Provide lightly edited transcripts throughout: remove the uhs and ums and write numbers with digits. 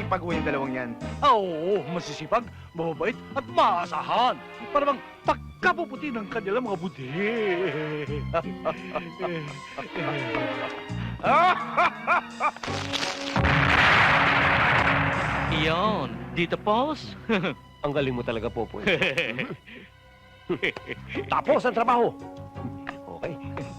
Masisipag ho yung dalawang yan. Oo, masisipag, mababait, at maasahan. Para bang pagkapuputi ng kanilang mga budi. Iyon, dito pause. Ang galing mo talaga, Popoy. Tapos ang trabaho. Okay.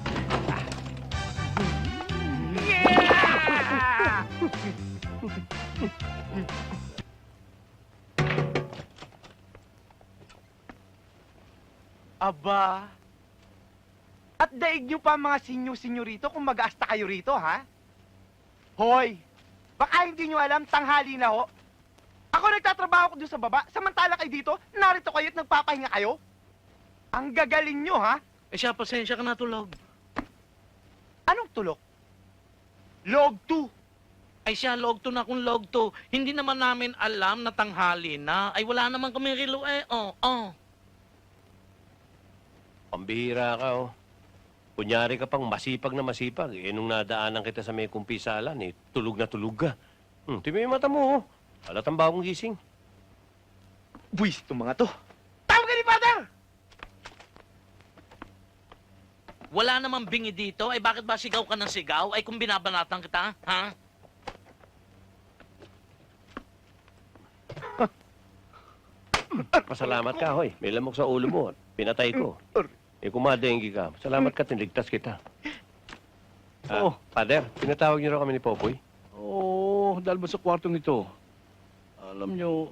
Aba. At daig nyo pa mga sinyo-sinyo rito kung mag-aasta kayo rito, ha? Hoy! Baka hindi nyo alam, tanghali na ho. Ako nagtatrabaho ko doon sa baba, samantala kayo dito, narito kayo at nagpapahinga kayo. Ang gagaling nyo, ha? Eh siya, pasensya ka na tulog. Anong tulok? Log 2. Ay siya, log 2 na kung log 2. Hindi naman namin alam na tanghali na. Ay wala naman kami relo eh. Pambihira ka, oh. Kunyari ka pang masipag na masipag. Eh, nung nadaanan kita sa may kumpisalan, eh, tulog na tulog ka. Timi yung mata mo, oh. Halatang bagong gising. Buwis itong mga to. Tawag ka ni Father! Wala namang bingi dito. Ay bakit ba sigaw ka ng sigaw? Ay kung binabanatan kita, ha? Pasalamat ka, hoy. May lamok sa ulo mo. Pinatay ko. Eh, kumadenggi ka. Salamat ka, tinligtas kita. Oo. Father, pinatawag niyo raw kami ni Popoy. Oo, dahil ba sa kwartong ito? Alam nyo,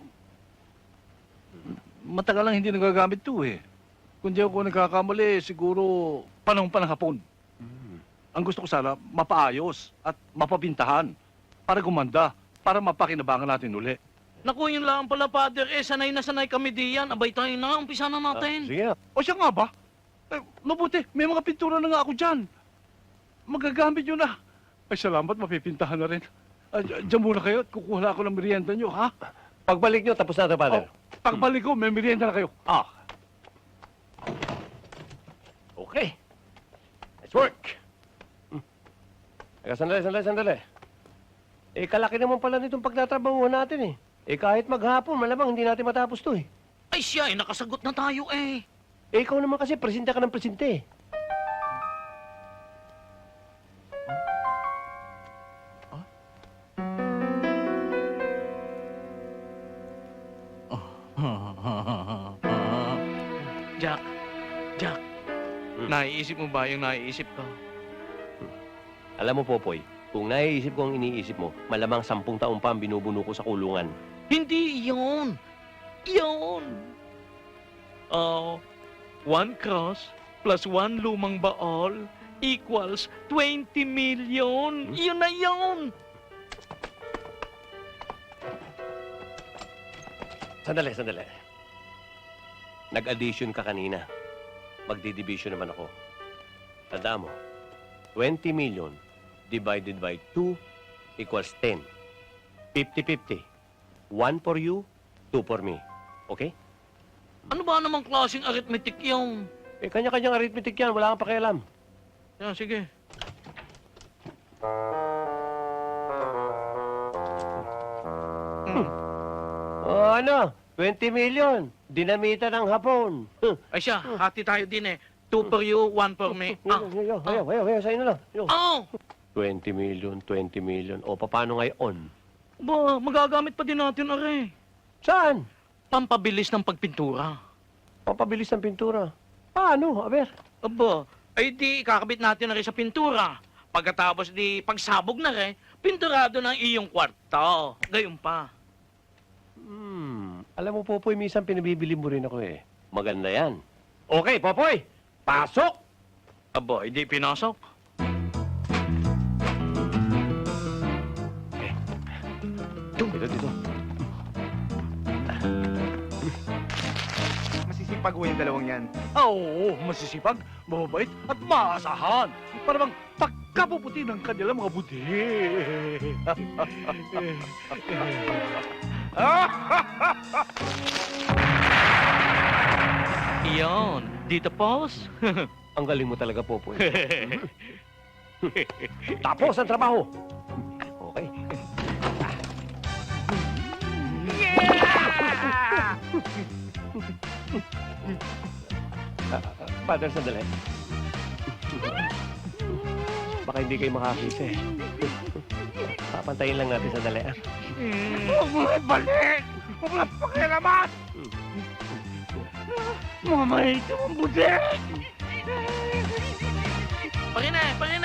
matagal lang hindi nagagamit ito eh. Kung di ako nagkakamali, siguro panahon pa ng hapon. Ang gusto ko sana, mapaayos at mapabintahan para gumanda, para mapakinabangan natin uli. Naku, yun lang pala, Father. Eh, sanay na sanay kami diyan. Abay tayo na, umpisa na natin. Sige na. O siya nga ba? Eh, mabuti, may mga pintura na nga ako dyan. Magagamit nyo na. Ay, salamat, mapipintahan na rin. Diyan muna kayo at kukuha na ako ng merienda nyo, ha? Pagbalik niyo, tapos na ito, Father. Pagbalik ko, may merienda na kayo. Okay. Nice work. Teka, sandali. Eh, kalaki naman pala nitong pagtatrabahuhan natin eh. Eh, kahit maghapon, malamang hindi natin matapos to eh. Ay siya, eh, nakasagot na tayo eh. Eh, ikaw naman kasi, presente ka ng presente eh. Jack, naiisip mo ba yung naiisip ko? Alam mo, Popoy, kung naiisip ko ang iniisip mo, malamang 10 taon pa ang binubuno ko sa kulungan. Hindi yun. Yun. 1 cross plus 1 lumang baol equals 20 million. Yun na yun. Sandali. Nag-addition ka kanina. Magdi-division naman ako. Tanda mo, 20 million divided by 2 equals 10. 50-50. 1 for you, 2 for me. Okay? Ano ba namang klaseng arithmetic yung? Eh, kanya-kanyang arithmetic yan. Wala kang pakialam. Yan, sige. O ano? 20 million. Dinamita ng hapon. Ay siya, hati tayo din eh. 2 for you, 1 for me. Ayaw, sa'yo na lang. Oh! 20 million. O, paano ngayon? Ba, magagamit pa din natin, are. Saan? Pampabilis ng pagpintura. Papabilis ng pintura. Paano? Aber? Aba, ay di kakabit natin na rin sa pintura. Pagkatapos di pagsabog na rin, pinturado ng iyong kwarto. Gayon pa. Alam mo, Popoy, minsan pinabibili mo rin ako eh. Maganda yan. Okay, Popoy! Pasok! Aba, hindi pinasok. Dito. Masisipag ho yung dalawang yan. Oo, masisipag, mababait, at maasahan. Para bang pagkapuputi ng kanilang mga budi. Iyon, dito pause. Ang galing mo talaga, Popoy. Tapos ang trabaho. Okay. Father, sandali. Baka hindi kayo makakisa eh. Papantayin lang natin sandali. Huwag mo ibalik! Huwag mo pakialaman! Mga mahito ang budik! Pare na, pare!